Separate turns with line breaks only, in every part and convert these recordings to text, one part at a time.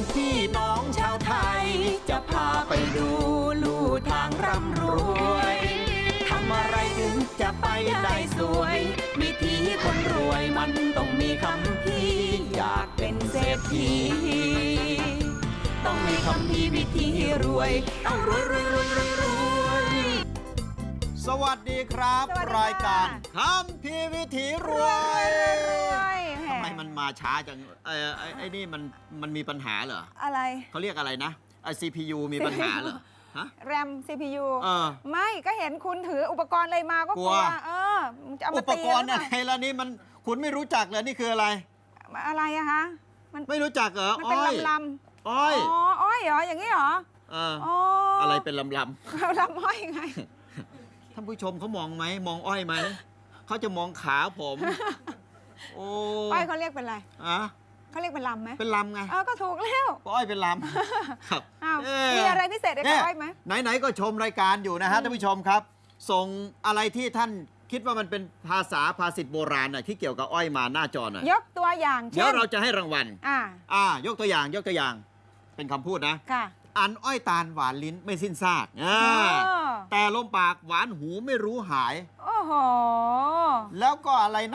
พี่น้องชาวไทย จะพาไปดูลู่ทางร่ำรวยทำอะไรถึงจะไปได้สวยวิธีคนรวยมันต้องมีคำพี่อยากเป็นเศรษฐีต้องมีคำพี่วิธีรวยต้องรวยรวยรวยรวยรวย
สวัสดีครับ
สวัสดีค่ะ
รายการคำพีวิถีรวยทำไมมันมาช้าจังไอ้นี่มันมีปัญหาเหรอ
อะไร
เขาเรียกอะไรนะไอ CPU มีปัญหาเหรอฮะ
แรม CPU
ไม่
ก็เห็นคุณถืออุปกรณ์อะไรมาก็กลัวจะเอา
อุ
มา
ป
ตี
กรณ์อะไรล่ะนี่มันคุณไม่รู้จักเลยนี่คืออะไร
อะไรอะคะมัน
ไม่รู้จักเหรอ
มันเป็นลำ
อ้อย
อ๋ออ้อยเหรออย่างนี้เหรอ
อะไรเป็นลำ
ลำอ้อยไง
ท่านผู้ชมเขามองไหมมองอ้อยไหมเขาจะมองขาผม โอ้
อ้อยเขาเรียกเป็นอะไร
อะ
เขาเรียกเป็นลำไหม
เป็นลำไง
ก็ถูกแล้ว
อ้อยเป็นลำครับ
อ้าวมีอะไรพิเศษในอ้อยไหม
ไหนๆก็ชมรายการอยู่นะฮะท่านผู้ชมครับ ส่งอะไรที่ท่านคิดว่ามันเป็นภาษิตโบราณน่ะที่เกี่ยวกับอ้อยมาหน้าจอหน่อย
ยกตัวอย่างเช่น
เดี๋ยวเราจะให้รางวัล
ย
กตัวอย่างเป็นคำพูดนะ
ค่ะ
อันอ้อยตาลหวานลิ้นไม่สิ้นซากแต่ลมปากหวานหูไม่รู้หาย
โอ้โห
แล้วก็อะไรนะ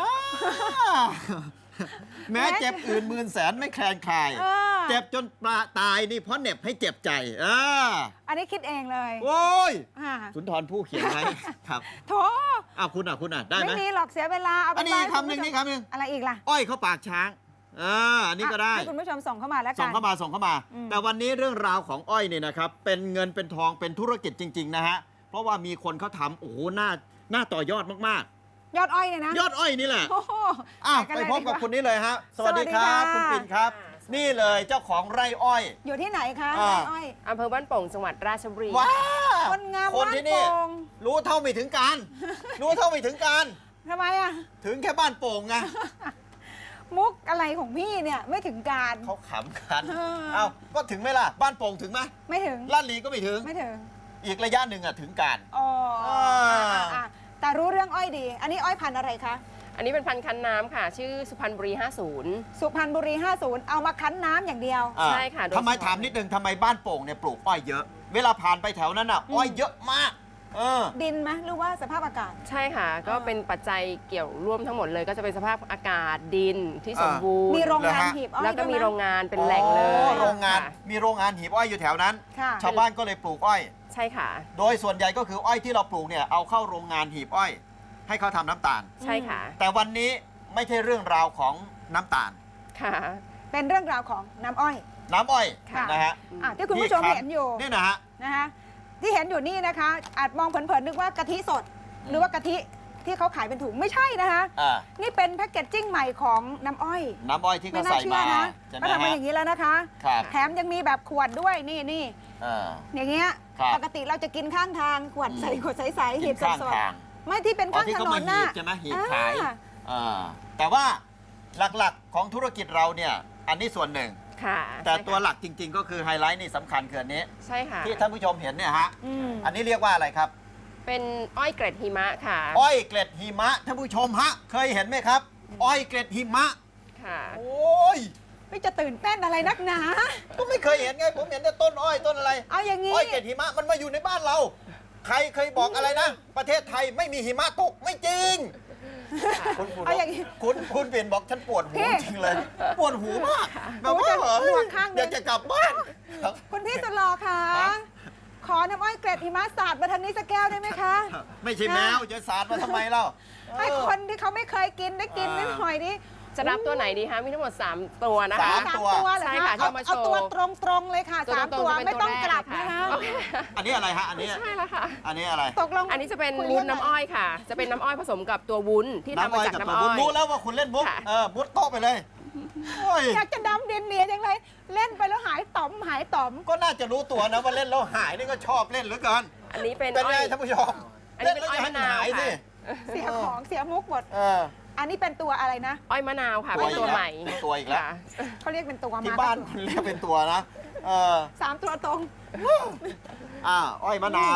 แม้เจ็บอื่นหมื่นแสนไม่แคลนคลายเจ็บจนตายนี่เพราะเหน็บให้เจ็บใจ
อันนี้คิดเองเลย
โอ้ย
อ่า
สุนทรผู้เขียนไว้ครับ
โถ
คุณได้ไหม
ไม่มีหรอกเสียเวลาเอาไป
อันนี้คำหนึ่งนี่คำหนึ่ง
อะไรอีกล่ะ
อ้อยเข้าปากช้างอันนี้ก็ได้
ให้คุณผู้ชมส่งเข้ามาแล้วกัน
ส่งเข้ามา แต่วันนี้เรื่องราวของอ้อยเนี่ยนะครับเป็นเงินเป็นทองเป็นธุรกิจจริงๆนะฮะเพราะว่ามีคนเขาทำโอ้โหน่าต่อยอดมาก
ยอดอ้อยเนี่ยนะ
ๆยอดอ้อยนี่แหละ
โอ้โห
ไปพบกับคนนี้เลยฮะสวัสดีครับ
สวัสดีค่ะ
คุณปิ่นครับ นี่เลยเจ้าของไร่อ้อย
อยู่ที่ไหนคะ
อ่า
ไร่อ้อย
อำเภอบ้านโป่งจังหวัดราชบุรี
ว้า
คนงาม
คนที่นี่
บ้านโป่ง
รู้เท่าไม่ถึงการ รู้เท่าไม่ถึงการ
ทำไมอะ
ถึงแค่บ้านโป่งไง
มุกอะไรของพี่เนี่ยไม่ถึงการ
เขาขำกัน
เออ
ก็ถึงไหมล่ะ บ้านโป่งถึงไหม
ไม่ถึง
ลาดลีก็ไม่ถึง
ไม่ถึง
อีกระยะหนึ่งถึงการ
อ๋อ
อ่า
แต่รู้เรื่องอ้อยดี อันนี้อ้อยพันธุ์อะไรคะ
อันนี้เป็นพันธุ์คั้นน้ำค่ะ ชื่อสุพรรณบุรี
สุพรรณบุรี 50 เอามาคั้นน้ำอย่างเดียว
ใช่ค่ะโดย
ทำไม
เฉพาะ
ถามนิดนึงทำไมบ้านโป่งเนี่ยปลูกอ้อยเยอะ เวลาผ่านไปแถวนั้นอ้อยเยอะมาก
ดินไหมหรือว่าสภาพอากาศ
50 ใช่ค่ะ ก็เป็นปัจจัยเกี่ยวร่วมทั้งหมดเลย ก็จะเป็นสภาพอากาศดินที่สมบูรณ์
มีโรงงาน
เหรอฮะ
หีบอ้อย
แล้วก็มี
ด้วยไห
โรงงานเป็นแหล่งเลย
โรงงาน
ค่ะ
มีโรงงานหีบอ้อยอยู่แถวนั้น
ค่ะ
ชาวบ้านก็เลยปลูกอ้อย
ใช่ค่ะ
โดยส่วนใหญ่ก็คืออ้อยที่เราปลูกเนี่ยเอาเข้าโรงงานหีบอ้อย ให้เขาทำน้ำตาล
ใช่ค่ะ
แต่วันนี้ไม่ใช่เรื่องราวของน้ำตาล
ค่ะ
เป็นเรื่องราวของน้ำอ้อย
น้ำอ้อย
ค่ะ
นะฮะ
ที่คุณผู้ชมเห็นอยู่
นี่นะฮะ
นะคะที่เห็นอยู่นี่นะคะ อาจมองเผินๆนึกว่ากะทิสด หรือว่ากะทิที่เขาขายเป็นถุงไม่ใช่นะคะ นี่เป็นแพ็กเกจจิ้งใหม่ของน้ำอ้อย
น้ำอ้อยที่
ไม่
เขา
น่า
ใส่
เชื่อ
มา
นะ
ใช่ไหม
ก็ทำมา
ฮะ
อย่างนี้แล้วนะคะ
ครับ
แถมยังมีแบบขวดด้วยนี่
อ่า
อย่างเงี้ย
ครับ
ปกติเราจะกินข้างทางขวดใส่ขวดใสๆหี
กิ
บ
น
ส
ข้าง
ด
ทาง
ๆไม่ที่เป็น
อ๋อ
ข้าง
ที่
ถ
เขา
น
มาน หี
น่ะ
บใช่ไหมหีบขาย
อ่า
แต่ว่าหลักๆของธุรกิจเราเนี่ยอันนี้ส่วนหนึ่ง
ค่ะ
แต่
ใช่ค่ะ
ตัวหลักจริง ๆ ก็คือไฮไลท์นี่สำคัญคืออันนี้
ใช่ค่ะ
ที่ท่านผู้ชมเห็นเนี่ยฮะ
อืม
อันนี้เรียกว่าอะไรครับ
เป็นอ้อยเกร็ดหิมะค่ะ
อ้อยเกล็ดหิมะท่านผู้ชมฮะเคยเห็นไหมครับ อ้อยเกล็ดหิมะ
ค่ะ
โอ้ย
ไม่จะตื่นเต้นอะไรนักหนา
ก็ไม่เคยเห็นไงผมเห็นแต่ต้นอ้อยต้นอะไร
เอาอย่างนี้
อ้อยเกล็ดหิมะมันมาอยู่ในบ้านเรา ใครเคยบอกอะไรนะ ประเทศไทยไม่มีหิมะตกไม่จริง
เอาอย่างนี้
คุณเปลี่ยนบอกฉันปวดหู
พี่
จริงเลย ปวดหูมากแบบ
หู
ว่า
จะ
เหรอ
หนวกข้างหนึ่ง
อยากจะกลับบ้านครับ
คุณพี่สุดหล่อค่ะ
ฮะ
ขอน้ำอ้อยเกร็ดหิมะสาดมาทางนี้สักแก้วได้ไหมคะ
ไม่ใช่แมวจะสาดมาทำไมเล่า
ให้คนที่เขาไม่เคยกินได้กินนิดหน่อยนี่
จะรับตัวไหนดีคะ มีทั้งหมด 3 ตัวนะคะ
สาม
สาม
ตัว
ตัวเหรอ
ใช่
คะ
ค่ะ
เอา
ที่มาโช
เอา
ว์
ตัวตรงๆเลยค่ะ
ตัว
สาม
ตรงๆ
ตัว
จะเป็น
ไม่ต้อง
ตัวแรก
กลับ
เลย
นะ
ค่ะ
คะ
โอเค
อันนี้อะไรฮะ อันนี้
ใช่แล้วค่ะ
อันนี้อะไร
ตกลง
อันนี้จะเป็น
คุย
วุ้น
เรื่อง
น้ำอ้อยค่ะ จะเป็นน้ำอ้อยผสมกับตัววุ้นที่ทำมาจากน้ำอ้อย
รู้แล้วว่าคุณเล่นมุก
ค่ะ
มุดโต๊ะไปเลยโอ้ย
อยากจะดำเนียนๆอย่างไรเล่นไปแล้วหายต่อม
ก็น่าจะรู้ตัวนะว่าเล่นแล้วหายนี่ก็ชอบเล่นเหลือเกิน
อันนี้เป็น
เป็น
อ้
ไง
อย
ท่านผู้ชม
อันนี้
เล่น
เป็น
แล้ว
อ้อย
จะให้
มะนาว
หายสิ
ค่ะ
เสียของเสียมุกหมด
เออ
อันนี้เป็นตัวอะไรนะ
อ้อยมะนาวค่ะ
ตัว
เป็นตัว
อีกแล้ว
ใหม่
ตัวอีกแล้ว
ค่ะ
เขาเรียกเป็นตัวมา
ที่บ้านคุณเรียกเป็นตัวนะ
สามตัวตรง
อ้อยมะนาว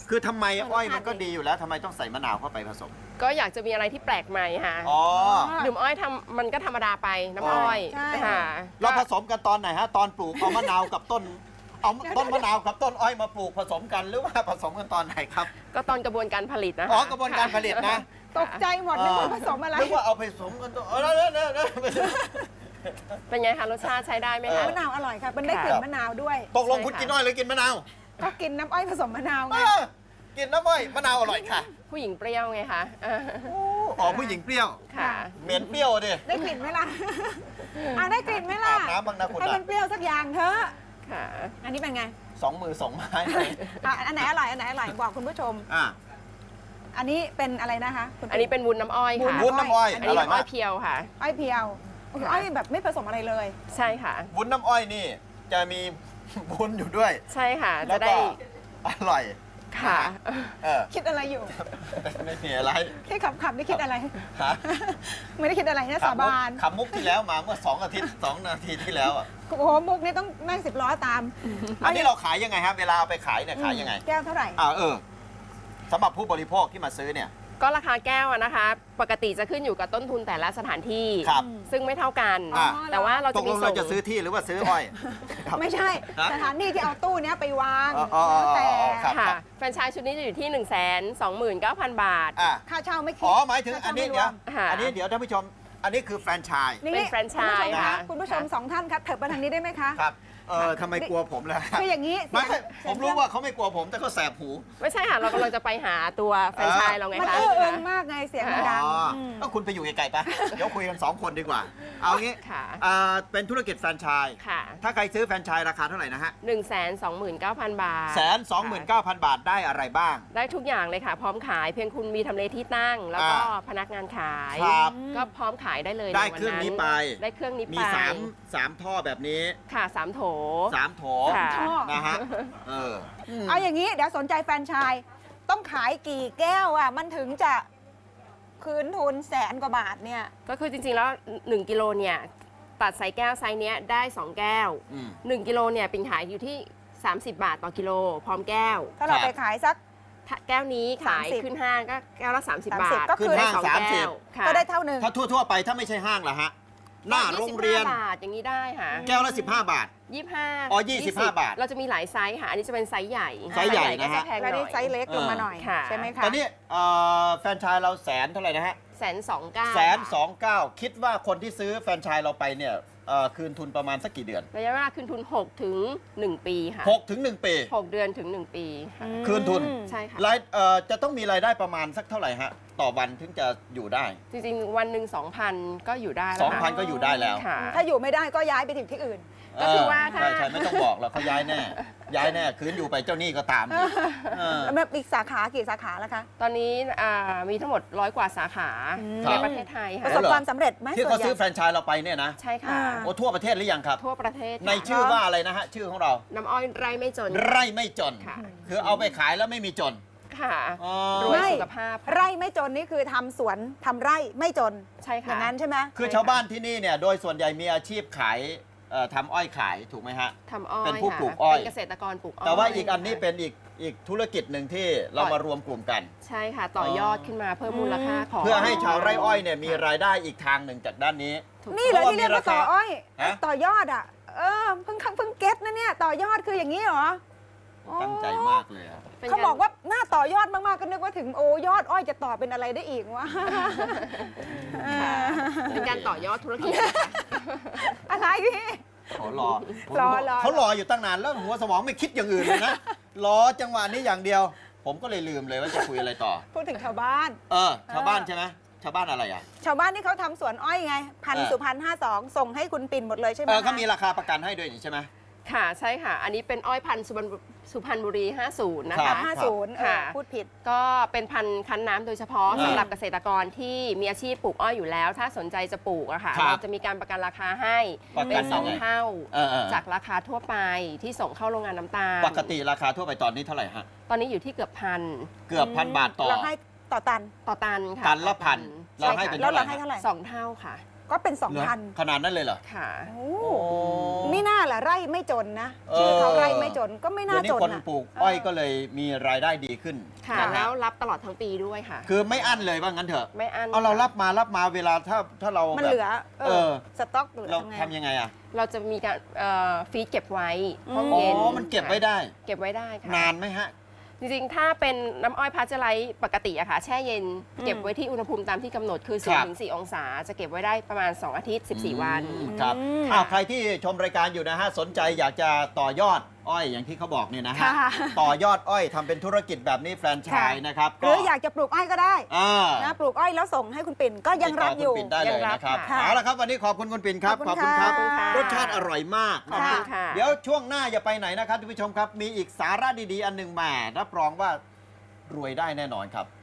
คือทำไมอ้อยมันก็ดีอยู่แล้วทำไมต้องใส่มะนาวเข้าไปผสม
ก็อยากจะมีอะไรที่แปลกใหม่ค่ะ
อ๋อ
ดื่มอ้อยมันก็ธรรมดาไปน้ำอ้อย
ใช่
ค่ะ
เราผสมกันตอนไหนฮะ ตอนปลูกเอามะนาวกับต้น เอาต้นมะนาวกับต้นอ้อยมาปลูกผสมกันหรือว่าผสมกันตอนไหนครับ
ก็ตอนกระบวนการผลิตนะคะ
อ๋อกระบวนการผลิตนะ
ตกใจหมดนึกว่าผสมอะไร
นึกว่าเอาไปผสมกันตัวเนี่ย
เป็นไงคะรสชาติใช้ได้ไหมคะ
มะนาวอร่อยค่ะมันได้กลิ่นมะนาวด้วย
ตกลงคุณกินอ้อยหรือกินมะนาว
ก็กินน้ำอ้อยผสมมะนาวไง
กินน้ำอ้อยมะนาวอร่อยค่ะ
ผู้หญิงเปรี้ยวไงคะ
อ๋อผู้หญิงเปรี้ยว
ค่ะ
เหม็นเปรี้ยวดิ
ได้กลิ่นไหมล่ะได้กลิ่นไหมล่ะ
อาบน้ำบ้างนะคุณ
ให้
อะ
มันเปรี้ยวสักอย่างเถอะ
ค่ะ
อันนี้เป็นไง
2 มือ 2 ไม้
อันไหนอร่อยอันไหนอร่อยบอกคุณผู้ชม
อ่ะ
อันนี้เป็นอะไรนะคะคุณ
อันนี้เป็นวุ้นน้ำอ้อยค่ะ
วุ้นน้ำอ้อย
อัน
อ
นี้
ร่อย
น้ำอ้
มา
อก ยเพียวค่ะ
อ้อยเพียวโอ้โหอ้อยแบบไม่ผสมอะไรเลย
ใช่ค่ะ
วุ้นน้ำอ้อยนี่จะมีวุ้นอยู่ด้วย
ใช่ค่ะ
แล้
จะ
ว
ได้
ก็อร่อย
ค่ะ
เออ
คิดอะไรอยู่
ไม่มีอะไร
แค่ขับนี่คิดอะไร
ฮะ
ไม่ได้คิดอะไรนะสาบาน
ขำมุกที่แล้วมาเมื่อ2 อาทิตย์ 2 นาทีที่แล้วอ่ะ
โอ้โหมุกนี่ต้องนั่ง10 ล้อตาม
อันนี้เราขายยังไงครับ เวลาเอาไปขายเนี่ยขายยังไง
แก้วเท่าไหร่
สำหรับผู้บริโภคที่มาซื้อเนี่ย
ก็ราคาแก้วอะนะคะ ปกติจะขึ้นอยู่กับต้นทุนแต่ละสถานที่
ครับ
ซึ่งไม่เท่ากัน
อ่า
แต่ว่าเรา
ต
จะ
ก
มี
ลง
ส่
เรา
ง
จะซื้อที่หรือว่าซื้ออ้อยครับ
ไม่ใช่
ฮะ
สถานที่ที่เอาตู้เนี้ยไปวาง
อ๋อ
แล้วแต่
ครับ
ค่ะ แฟรนไชส์ชุดนี้จะอยู่ที่ 129,000 บาท
อ่ะ
ค่าเช่าไม่คิด
อ๋อหมายถึง
ค่
อันนี้
ช่าไม่ร
เดี๋ยว
ม
ค่ะ
อันนี้เดี๋ยวท่านผู้ชม อันนี้คือแฟรนไชส์
นี่
เป็นแฟรนไชส์
คุณผู้ชม
ค่ะ
สองท่านครับเถิบมาทางนี้ได้ไหมคะ
ครับทำไมกลัวผมล่ะ
คืออย่างนี้
ไม่
เสียง
ผมรู้ว่าเขาไม่กลัวผมแต่เขาแสบหู
ไม่ใช่ค่ะ เรากำลังจะไปหาตัวแฟรนไชส์เราไง
มัน
คะ
เอื้อเอิงมากไงเสียงมันดัง
อ๋อ
ม
ก็คุณไปอยู่ไกลๆปะเดี๋ยวคุยกัน 2 คนดีกว่า เอางี้
ค่ะ
เป็นธุรกิจแฟรนไชส์
ค่ะ
ถ้าใครซื้อแฟรนไชส์ราคาเท่าไหร่นะฮะ
129,000 บาท
129,000 บาทได้อะไรบ้าง
ได้ทุกอย่างเลยค่ะ พร้อมขายเพียงคุณมีทำเลที่ตั้ง แล้วก็
อ่า
พนักงานขาย
ครับ
ก็พร้อมขายได้เลย
ได้
ในวัน
เครื่องนี้ไป
ได้เครื่องนี้ไป
มี3ท่อแบบนี้
ค่ะ3 โถ
3 โถ
ค่ะ
ท่อ
นะฮะม
เอาอย่างนี้เดี๋ยวสนใจแฟรนไชส์ต้องขายกี่แก้วอ่ะมันถึงจะคืนทุน100,000 กว่าบาทเนี่ย
ก็คือจริงๆ แล้ว 1 กิโลเนี่ย ตัดใส่แก้วไซส์เนี้ยได้ 2 แก้ว
อืม
1 กิโลเนี่ยปิ่นขายอยู่ที่ 30 บาทต่อกิโล พร้อมแก้ว
ถ้าเรา
ครับ
ไปขายสัก
ถ้าแก้วนี้ขาย
30
ขึ้นห้างก็แก้วละ 30 บาท
ก็คือ
ได้
ขึ้น
2
ห้าง
แก้ว
30
ค่ะ
ก็ได้เท่าหนึ่ง
ถ้าทั่วๆไปถ้าไม่ใช่ห้างล่ะฮะ หน้าโรงเรียน
25 บาทอย่างนี้ได้ค่ะ
แก้วละ 15 บาท
25
อ๋อ25 บาท
เราจะมีหลายไซส์ค่ะ อันนี้จะเป็นไซส์ใหญ่
ไซส์ใหญ่
ก็
นะฮะ
จะแพงห
แล้ว
น่
นี่
อย
ไซส์เล็กลงมาหน่อย
ค่ะ
ใช่ไหมคะ
ตอนนี้แฟรนไชส์เรา100,000เท่าไหร่นะฮะ 129,000คิดว่าคนที่ซื้อแฟรนไชส์เราไปเนี่ยคืนทุนประมาณสักกี่เดือน
ระยะเวลาคืนทุน 6 ถึง 1 ปีค่ะ
6 ถึง 1 ปี
6 เดือนถึง 1 ปีค่ะ
คืนทุน
ใช่ค่ะ
จะต้องมีรายได้ประมาณสักเท่าไหร่ฮะ ต่อวันถึงจะอยู่ได้
จริงๆ วันหนึ่ง2,000 ก็อยู่ได้แล้วค่ะ
2,000 ก็อยู่ได้แล้ว
ค่ะ
ถ้าอยู่ไม่ได้ก็ย้ายไปถึงที่อื่น
ก็คือว่าถ้า
ใช่ไม่ต้องบอกหรอกเขาย้ายแน่ ย้ายแน่ คืนอยู่ไปเจ้าหนี้ก็ตามเออ
แล้วแบบอีกสาขากี่สาขาแล้วคะ
ตอนนี้มีทั้งหมด100 กว่าสาขา
ครั
ใน
บ
ประเทศไทย
ป
ค่ะ
ระสบความสำเร็จไหม
ที่
ส่ว
เขา
นใหญ่
ซื้อแฟรนไชส์เราไปเนี่ยนะ
ใช่ค่ะ
อ่า
โอ้ทั่วประเทศหรือยังครับ
ทั่วประเทศค่ะ
ในชื่อว่าอะไรนะฮะ ชื่อของเรา
น้ำอ้อยไร่ไม่จน
ไร่ไม่จน
ค่ะ
คือเอาไปขายแล้วไม่มีจน
ค่ะ
อ๋อ
รวยสุขภาพ
ไร่ไม่จนนี่คือทำสวนทำไร่ไม่จน
ใช่
อ
ค่ะ
ย่างนั้นใช่ไหม
คือชาวบ้านที่นี่เนี่ย โดยส่วนใหญ่มีอาชีพขายทำอ้อยขายถูกไหมฮะ
ทำอ้อย
เป็นผู้
ค่ะ
ปลูกอ้อย
เป็นเกษตรกรปลูกอ้อย
แต่ว่าอีกอันนี้เป็นอีกธุรกิจหนึ่งที่เรามารวมกลุ่มกัน
ใช่ค่ะ ต่อยอดขึ้นมาเพิ่มมูลค่าของ
เพื่อให้ชาวไร่อ้อยเนี่ยมีรายได้อีกทางหนึ่งจากด้านนี้
ถูก
นี่เลยที่เรียกว่าต่ออ้อย
ฮะ
ต่อยอดอ่ะเพิ่งเก็ตนะเนี่ยต่อยอดคืออย่างนี้เหรอ
ตั้งใจมากเลยอะ
เป็น
เขาบอกว่าหน้าต่อยอดมากๆก็นึกว่าถึงโอ้ยอดอ้อยจะต่อเป็นอะไรได้อีกวะ
ค่ะเป็นการต่อยอดธุรกิจนะคะ
อะไรพี่
เขารอ
รอ
เขารออยู่ตั้งนานแล้วหัวสมองไม่คิดอย่างอื่นเลยนะ รอจังหวะนี้อย่างเดียว ผมก็เลยลืมเลยว่าจะคุยอะไรต่อ
พูดถึงชาวบ้าน
ชาวบ้านใช่ไหมชาวบ้านอะไรอ่ะ
ชาวบ้านที่เขาทำสวนอ้อยไงพัน
เออ
สุพรรณ52ส่งให้คุณปิ่นหมดเลยใช่ไหม
เขา
คะ
มีราคาประกันให้ด้วยนี่ใช่ไหม
ค่ะใช่ค่ะ อันนี้เป็นอ้อยพันธุ์สุพรรณบุรี 50 นะ
ครั
คะ
บ
50
ค่ะ
พูดผิด
ก็เป็นพันธุ์คั้นน้ำโดยเฉพาะ
อ่า
สำหรับเกษตรกรที่มีอาชีพปลูกอ้อยอยู่แล้ว ถ้าสนใจจะปลูกอะค่ะ
ครับ
เราจะมีการประกันราคาให้
ประกัน
เป็น
ยังไง
2 เท่า
เออ
จากราคาทั่วไปที่ส่งเข้าโรงงานน้ำตาล
ปกติราคาทั่วไปตอนนี้เท่าไหร่ฮะ
ตอนนี้อยู่ที่เกือบพัน
เกือบ1,000 บาทต่อ
เราให้ต่อตัน
ต่อตันค่ะ
ตันละพัน
ใช่
เราให้
ค่ะ
เป็น
แล้ว
เท่าไหร่
เราให้เท่าไหร่
2 เท่าค่ะ
ก็เป็น
เหรอ
2,000
ขนาดนั้นเลยเหรอ
ค่ะ
โอ้ไม่น่าล่ะไร่ไม่จนนะชื่อเขาไร่ไม่จนก็ไม่น่า
เดี๋ยว
จ
นี้
น
คน
นะ
ปลูกอ้อยก็เลยมีรายได้ดีขึ้น
ค่ะ
นะฮะ
แล้วรับตลอดทั้งปีด้วยค่ะ
คือไม่อั้นเลยว่างั้นเถอะ
ไม่อั้น
เอาเรา
ค่ะ
รับมาเวลาถ้าเรา
มัน
แบบ
เหลือ
เออ
สต็อกเหลือ
เรา
ทำไง
ทำยังไงอ่ะ
เราจะมีการฟรีซเก็บไว้ห้อง
อ๋อ
เย็น
มันเก็บไว้ได้
เก็บไว้ได้ค่ะ
นานไหมฮะ
จริงๆ ถ้าเป็นน้ำอ้อยพาสเจอร์ไลซ์ปกติอะค่ะ แช่เย็นเก็บไว้ที่อุณหภูมิตามที่กำหนดคือ
ครับ
0-4 องศา จะเก็บไว้ได้ประมาณ 2 อาทิตย์ 14 วัน
ครับ
อืม
อ้าวใครที่ชมรายการอยู่นะฮะสนใจอยากจะต่อยอดอ้อยอย่างที่เขาบอกเนี่ยนะฮะ
ค่ะ
ต่อยอดอ้อยทำเป็นธุรกิจแบบนี้แฟรนไชส์นะครับ
หรืออยากจะปลูกอ้อยก็ได้
อ่า
นะปลูกอ้อยแล้วส่งให้คุณปิ่นก็ยังรับอยู่
ติดต่อคุณปิ่นได้เลยนะครับ
ค่ะ
เอาละครับวันนี้ขอบคุณคุณปิ่นครับ
ขอบคุณค่ะ
รสชาติอร่อยมาก
ขอบ
นะ
คุ
ฮะ
ณค่ะ
เดี๋ยวช่วงหน้าอย่าไปไหนนะครับท่านผู้ชมครับ มีอีกสาระดีๆ อันหนึ่งมารับรองว่ารวยได้แน่นอนครับ